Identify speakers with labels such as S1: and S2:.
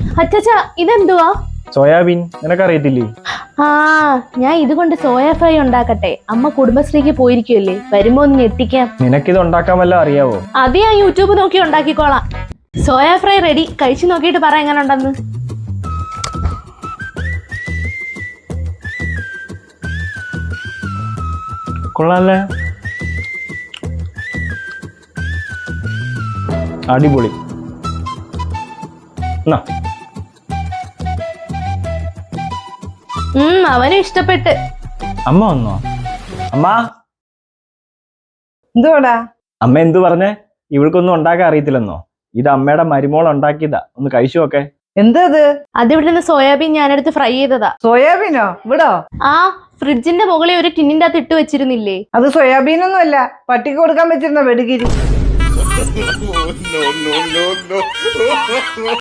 S1: അച്ഛാ ഇതെന്തുവാ?
S2: സോയാബീൻ. നിനക്കറിയത്തില്ലേ?
S1: ആ, ഞാൻ ഇതുകൊണ്ട് സോയ ഫ്രൈ ഉണ്ടാക്കട്ടെ. അമ്മ കുടുംബശ്രീക്ക് പോയിരിക്കുമല്ലേ, വരുമ്പോ ഒന്ന് ഞെട്ടിക്കാം.
S2: നിനക്കിത് ഉണ്ടാക്കാൻ വല്ല അറിയാവോ?
S1: അത് ഞാൻ യൂട്യൂബ് നോക്കി ഉണ്ടാക്കിക്കോളാം. Soya fry ready. കഴിച്ചു നോക്കിയിട്ട് പറ എങ്ങനെ ഉണ്ടെന്ന്.
S2: കൊള്ളാല്ലേ? അടിപൊളി.
S1: അവനും ഇഷ്ടപ്പെട്ട്.
S2: അമ്മ വന്നോ? അമ്മ
S3: എന്തുവാടാ?
S2: അമ്മ എന്തു പറഞ്ഞേ? ഇവൾക്കൊന്നും ഉണ്ടാക്കാൻ അറിയത്തില്ലെന്നോ? ഇത് അമ്മയുടെ മരുമോൾ ഉണ്ടാക്കിയതാ, ഒന്ന് കഴിച്ചു നോക്കെ.
S3: എന്തത്?
S1: അതിവിടെ നിന്ന് സോയാബീൻ ഞാനെടുത്ത് ഫ്രൈ ചെയ്തതാ.
S3: സോയാബീനോ? ഇവിടോ?
S1: ആ, ഫ്രിഡ്ജിന്റെ മുകളിൽ ഒരു ടിന്നിന്റെ അകത്ത് ഇട്ട് വെച്ചിരുന്നില്ലേ?
S3: അത് സോയാബീനൊന്നും അല്ല, പട്ടിക്ക് കൊടുക്കാൻ വെച്ചിരുന്ന വെടുകിരി.